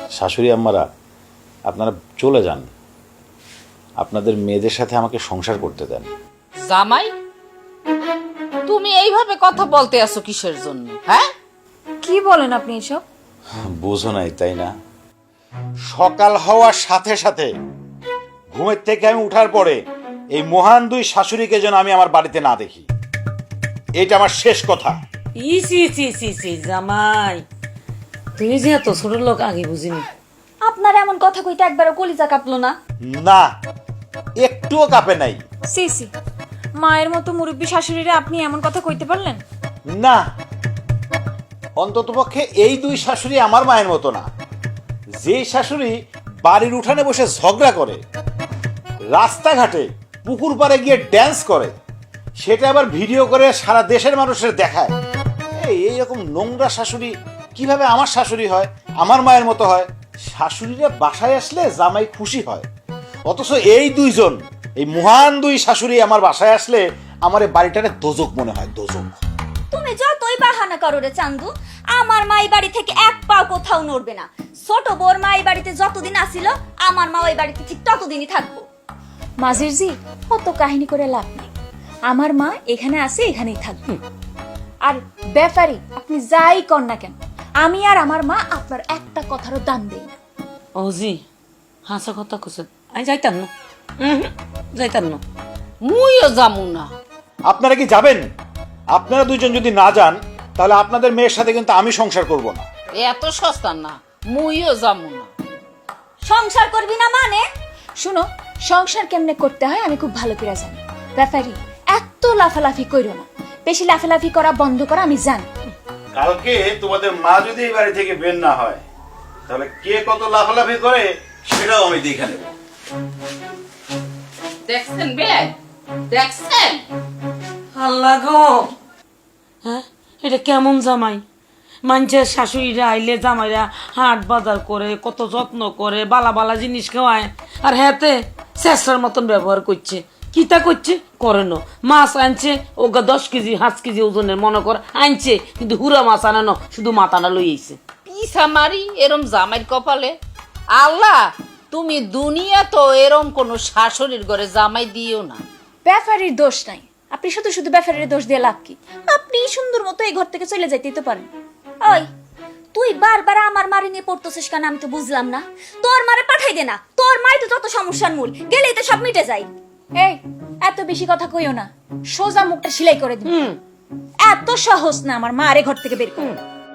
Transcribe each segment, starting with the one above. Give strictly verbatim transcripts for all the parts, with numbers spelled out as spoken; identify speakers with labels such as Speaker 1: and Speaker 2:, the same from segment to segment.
Speaker 1: শাশুড়ি আম্মারা, আপনারা চলে যান, আপনাদের মেয়েদের সাথে আমাকে সংসার করতে দেন।
Speaker 2: জামাই, তুমি এইভাবে কথা বলতে আছো কিসের জন্য? হ্যাঁ,
Speaker 3: কি বলেন আপনি এসব?
Speaker 1: বোঝো নাই তাই না? সকাল হওয়ার সাথে সাথে ঘুমের থেকে আমি উঠার পরে এই মহান দুই শাশুড়িকে যেন আমি আমার বাড়িতে না দেখি, এটা আমার শেষ কথা।
Speaker 4: ইসি ইসি ইসি ইসি জামাই, তুই যে এত ছোট লোক আগে বুঝিনি।
Speaker 3: আপনার এমন কথা কইতে একবারও কলিজা কাঁপলো না?
Speaker 1: না, একটুও কাঁপে নাই।
Speaker 3: সি সি, মায়ের মতো মুরব্বী শাশুড়িরা আপনি এমন কথা কইতে পারলেন?
Speaker 1: না, অন্ততপক্ষে এই দুই শাশুড়ি আমার মায়ের মতো না। যে শাশুড়ি বাড়ির উঠানে বসে ঝগড়া করে, রাস্তাঘাটে পুকুর পাড়ে গিয়ে ড্যান্স করে, সেটা আবার ভিডিও করে সারা দেশের মানুষের দেখায়, এই এইরকম নোংরা শাশুড়ি কিভাবে আমার শাশুড়ি হয়, আমার মায়ের মতো হয়? শাশুড়িরা বাসায় আসলে জামাই খুশি হয়, অথচ এই দুইজন, এই মহান দুই শাশুড়ি আমার বাসায় আসলে আমার এই বাড়িটারে দোজক মনে হয়, দোজক।
Speaker 5: তুমি যতই বাহানা করো রে চান্দু, আমার মা এই বাড়ি থেকে এক পাও কোথাও নড়বে না। ছোট বোর মা এই বাড়িতে যতদিন আসিল, আমার মা ওই বাড়িতে ঠিক ততদিনই থাকবো।
Speaker 3: মাঝির জি, অত কাহিনী করে লাভ নেই। আমার মা এখানে আছে, এখানেই থাকবে। আর ব্যাপারী আপনি যাই কর না কেন, আমি আর আমার মা আপনার একটা কথারও দাম দেই না।
Speaker 4: ও জি, হাসা কথা কইছ, আমি যাইতাম না, উহুম, যাইতাম না।
Speaker 2: মুইও যামু না।
Speaker 1: আপনারা কি যাবেন? আপনারা দুইজন যদি না যান, তাহলে আপনাদের মেয়ের সাথে কিন্তু আমি সংসার করব না।
Speaker 2: এত সস্তা না, মুইও যামু না।
Speaker 5: সংসার করবি না মানে?
Speaker 3: শুনো, সংসার কেমনে করতে হয় আমি খুব ভালো করে জানি। ব্যাপারী এত লাফালাফি কইরো না, বেশি লাফালাফি করা বন্ধ করা আমি জানি।
Speaker 1: কালকে তোমাদের মা যদি এই বাড়ি থেকে বের না হয়, তাহলে কে কত লাফালাফি করে সেটাও আমি দেখে নেব।
Speaker 2: দেখছেন বেলাই, দেখছেন?
Speaker 4: আল্লাহ গো, হ্যাঁ এটা কেমন জামাই? মানুষের শাশুড়িরা আইলে জামাইরা হাট বাজার করে, কত যত্ন করে, বালা বালা জিনিস খাওয়ায়, আর হ্যাঁতে চেষ্টার মতন ব্যবহার করছে। কিতা করছে করে না, মাছ আনছে ওগা দশ কেজি পাঁচ কেজি ওজনের মনে কর আনছে, কিন্তু হুরা মাছ আনানো শুধু মাথাটা লইছে।
Speaker 2: পিসা মারি এরম জামাইর কপালে। আল্লাহ, তুমি দুনিয়া তো এরম কোন শাশুড়ির ঘরে জামাই দিও না।
Speaker 3: ব্যাপারীর দোষ নাই, আপনি শুধু শুধু ব্যাপারীর দোষ দিয়ে লাভ কি? আপনি সুন্দর মতো এই ঘর থেকে চলে যাইতেই তো পারেন।
Speaker 5: ওই তুই বারবার আমার মারি নিয়ে পড়তেছিস কেন? আমি তো বুঝলাম না। তোর মারে পাঠাই দে না, তোর মাই তো যত সমস্যার মূল, গেলেই তো সব মিটে যায়।
Speaker 3: এই এত বেশি কথা কইও না, সোজা মুখটা সেলাই করে দিন। এত সহজ না আমার মা আরে ঘর থেকে বের করুন।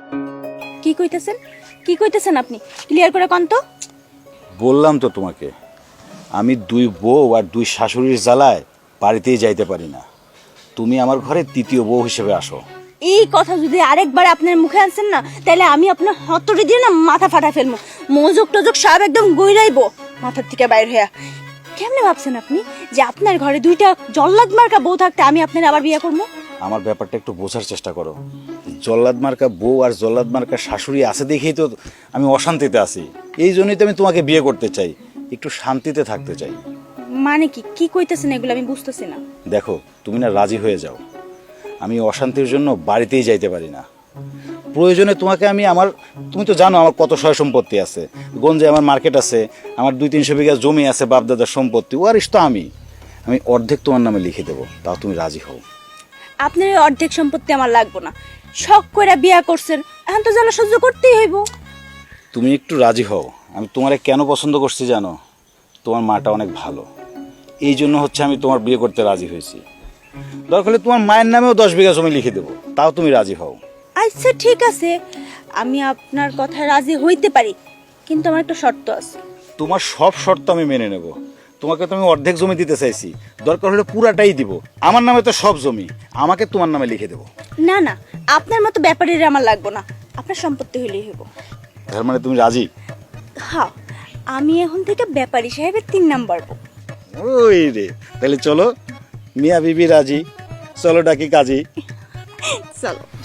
Speaker 5: কি কইতেছেন? কি কইতেছেন আপনি? ক্লিয়ার করে কোন তো।
Speaker 1: বললাম তো তোমাকে, আমি দুই বউ আর দুই শাশুড়ির জ্বালায় বাড়িতেই যাইতে পারি না। তুমি আমার ঘরে তৃতীয় বউ হিসেবে আসো।
Speaker 5: এই কথা যদি আরেকবার আপনার মুখে আনছেন না, তাহলে আমি আপনার হতরে দিয়ে না মাথা ফাটা ফেলবো, মজক টজক সব একদম গইরাইবো মাথার থেকে বাইর হইয়া। কেমনে ভাবছেন আপনি যে আপনার ঘরে দুইটা জল্লাদ মার্কা বউ থাকতে আমি আপনার আবার বিয়ে করবো?
Speaker 1: আমার ব্যাপারটা একটু বোঝার চেষ্টা করো। জল্লাদ মার্কা বউ আর জল্লাদ মার্কা শাশুড়ি আছে দেখেই তো আমি অশান্তিতে আছি। এই জন্যই তো আমি তোমাকে বিয়ে করতে চাই, একটু শান্তিতে থাকতে চাই।
Speaker 5: মানে কি কি কইতেছেন এগুলো আমি বুঝতেছি না।
Speaker 1: দেখো, তুমি না রাজি হয়ে যাও, আমি অশান্তির জন্য বাড়িতেই যাইতে পারি না। প্রয়োজনে তোমাকে আমি আমার, তুমি তো জানো আমার কত সয় সম্পত্তি আছে, গঞ্জে আমার মার্কেট আছে, আমার দুই তিনশো বিঘা জমি আছে বাপদাদার সম্পত্তি, ওয়ারিশ তো আমি। আমি অর্ধেক তোমার নামে লিখে দেবো, তাও তুমি রাজি হও।
Speaker 5: আপনার এই অর্ধেক সম্পত্তি আমার লাগবে না। শখ করে বিয়া করছেন, এখন তো জ্বালা সহ্য করতেই হইব।
Speaker 1: তুমি একটু রাজি হও। আমি তোমারে কেন পছন্দ করছি জানো? তোমার মাটা অনেক ভালো, এই জন্য হচ্ছে আমি তোমার বিয়ে করতে রাজি হয়েছি। দরকার হলে তোমার মায়ের নামেও দশ বিঘা জমি লিখে দেবো, তাও তুমি রাজি হও।
Speaker 5: আচ্ছা ঠিক আছে, আমি আপনার কথা রাজি হইতে পারি, কিন্তু আমার একটা শর্ত আছে।
Speaker 1: তোমার সব শর্ত আমি মেনে নেব। তোমাকে তো আমি অর্ধেক জমি দিতে চাইছি, দরকার হলে পুরাটাই দিব। আমার নামে তো সব জমি, আমাকে তোমার নামে লিখে দেবো।
Speaker 5: না না, আপনার মতো ব্যাপারীর আমার লাগবে না, আপনার সম্পত্তি হইলেই হইব।
Speaker 1: তার মানে তুমি রাজি?
Speaker 5: হ্যাঁ, আমি এখন থেকে ব্যাপারী সাহেবের তিন নাম্বার বউ।
Speaker 1: ওই রে, তাহলে চলো, মিয়া বিবি রাজি, চলো ডাকি কাজী।
Speaker 5: চলো।